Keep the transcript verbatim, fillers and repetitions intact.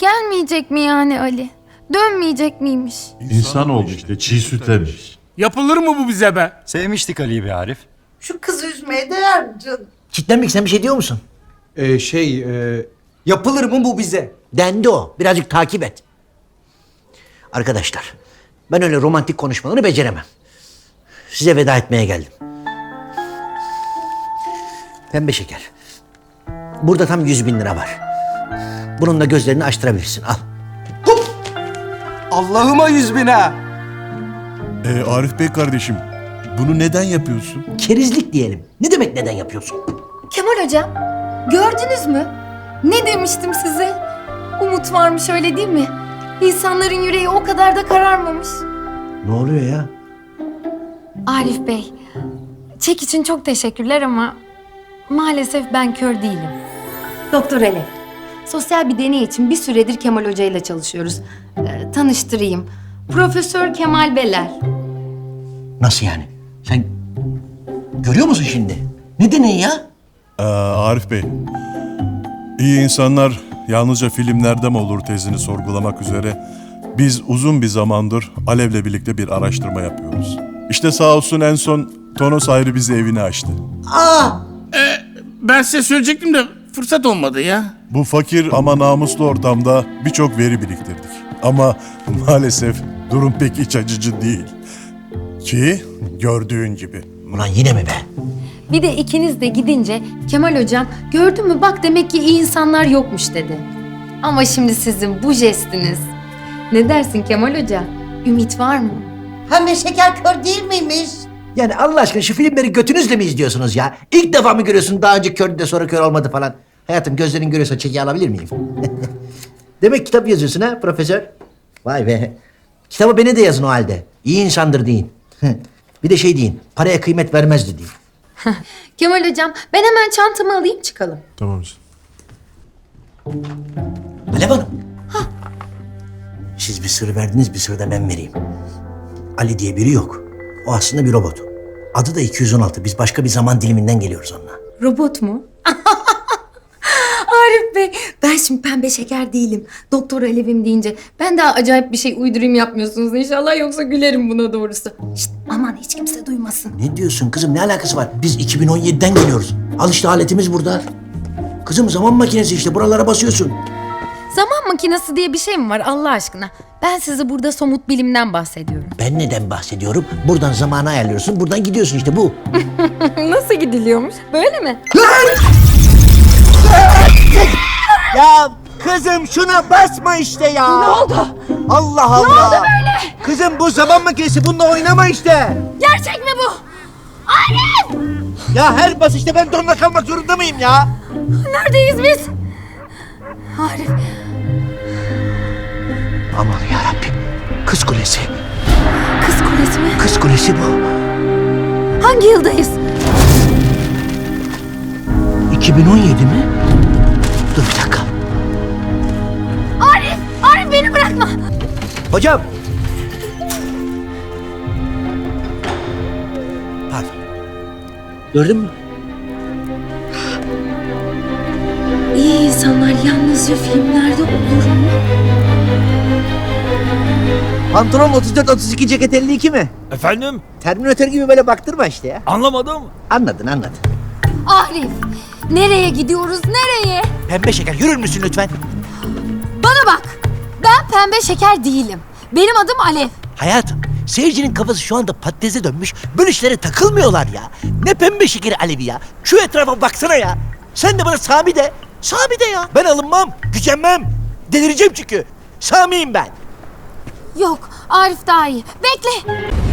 Gelmeyecek mi yani Ali? Dönmeyecek miymiş? İnsan oldu işte, çiğ süt emmiş. Yapılır mı bu bize be? Sevmiştik Ali'yi be Arif. Şu kızı üzmeye değer mi canım? Kitlenmek sen bir şey diyor musun? Ee, şey, e, yapılır mı bu bize? Dendi o. Birazcık takip et. Arkadaşlar, ben öyle romantik konuşmaları beceremem. Size veda etmeye geldim. Pembe şeker. Burada tam yüz bin lira var. Bununla gözlerini açtırabilirsin. Al. Allah'ıma yüz bin ha! Ee, Arif Bey kardeşim, bunu neden yapıyorsun? Kerizlik diyelim. Ne demek neden yapıyorsun? Kemal hocam, gördünüz mü? Ne demiştim size? Umut varmış, öyle değil mi? İnsanların yüreği o kadar da kararmamış. Ne oluyor ya? Arif Bey, çek için çok teşekkürler ama maalesef ben kör değilim. Doktor Ali, sosyal bir deney için bir süredir Kemal Hoca ile çalışıyoruz. Ee, tanıştırayım. Profesör Kemal Beler. Nasıl yani? Sen görüyor musun şimdi? Ne deneyi ya? Ee, Arif Bey, iyi insanlar yalnızca filmlerde mi olur tezini sorgulamak üzere biz uzun bir zamandır Alev'le birlikte bir araştırma yapıyoruz. İşte sağ olsun en son Tonos ayrı bize evini açtı. Aa! Ben size söyleyecektim de fırsat olmadı ya. Bu fakir ama namuslu ortamda birçok veri biriktirdik. Ama maalesef durum pek iç açıcı değil. Ki gördüğün gibi. Ulan yine mi be? Bir de ikiniz de gidince Kemal Hocam gördün mü bak demek ki iyi insanlar yokmuş dedi. Ama şimdi sizin bu jestiniz. Ne dersin Kemal Hoca? Ümit var mı? Pembe şeker kör değil miymiş? Yani Allah aşkına şu filmleri götünüzle mi izliyorsunuz ya? İlk defa mı görüyorsun, daha önce kördü de sonra kör olmadı falan? Hayatım, gözlerin görüyorsa çeki alabilir miyim? Demek kitap yazıyorsun ha profesör? Vay be. Kitabı beni de yazın o halde. İyi insandır deyin. Bir de şey deyin, paraya kıymet vermezdi deyin. Kemal Hocam ben hemen çantamı alayım çıkalım. Tamam. Alev Hanım. Siz bir sır verdiniz, bir sır da ben vereyim. Ali diye biri yok. O aslında bir robot. Adı da iki yüz on altı. Biz başka bir zaman diliminden geliyoruz onunla. Robot mu? Arif Bey, ben şimdi pembe şeker değilim. Doktor Alev'im deyince ben daha acayip bir şey uydurayım yapmıyorsunuz inşallah, yoksa gülerim buna doğrusu. Şşt, aman hiç kimse duymasın. Ne diyorsun kızım? Ne alakası var? Biz iki bin on yediden geliyoruz. Al işte aletimiz burada. Kızım zaman makinesi işte. Buralara basıyorsun. Zaman makinesi diye bir şey mi var Allah aşkına? Ben size burada somut bilimden bahsediyorum. Ben neden bahsediyorum? Buradan zamanı ayarlıyorsun. Buradan gidiyorsun işte bu. Nasıl gidiliyormuş? Böyle mi? Ya kızım şuna basma işte ya. Ne oldu? Allah Allah. Ne oldu böyle? Kızım bu zaman makinesi, bununla oynama işte. Gerçek mi bu? Ya her basışta ben donla kalmak zorunda mıyım ya? Neredeyiz biz? Arif, Aman yarabbim. Kız Kulesi. Kız Kulesi mi? Kız Kulesi bu. Hangi yıldayız? iki bin on yedi mi? Dur bir dakika. Arif, Arif beni bırakma. Hocam. Pardon. Gördün mü? İyi insanlar yalnızca filmlerde olur mu? Pantolon otuz dört otuz iki, ceket elli iki mi? Efendim? Terminatör gibi böyle baktırma işte ya. Anlamadım. Anladın anladın. Arif, nereye gidiyoruz, nereye? Pembe şeker yürür müsün lütfen? Bana bak, ben pembe şeker değilim. Benim adım Alev. Hayatım, seyircinin kafası şu anda patatese dönmüş. Böyle işlere takılmıyorlar ya. Ne pembe şekeri Alevi ya. Şu etrafa baksana ya. Sen de bana Sami de. Sami de ya. Ben alınmam, gücenmem. Delireceğim çünkü. Sami'yim ben. Yok, Arif daha iyi. Bekle.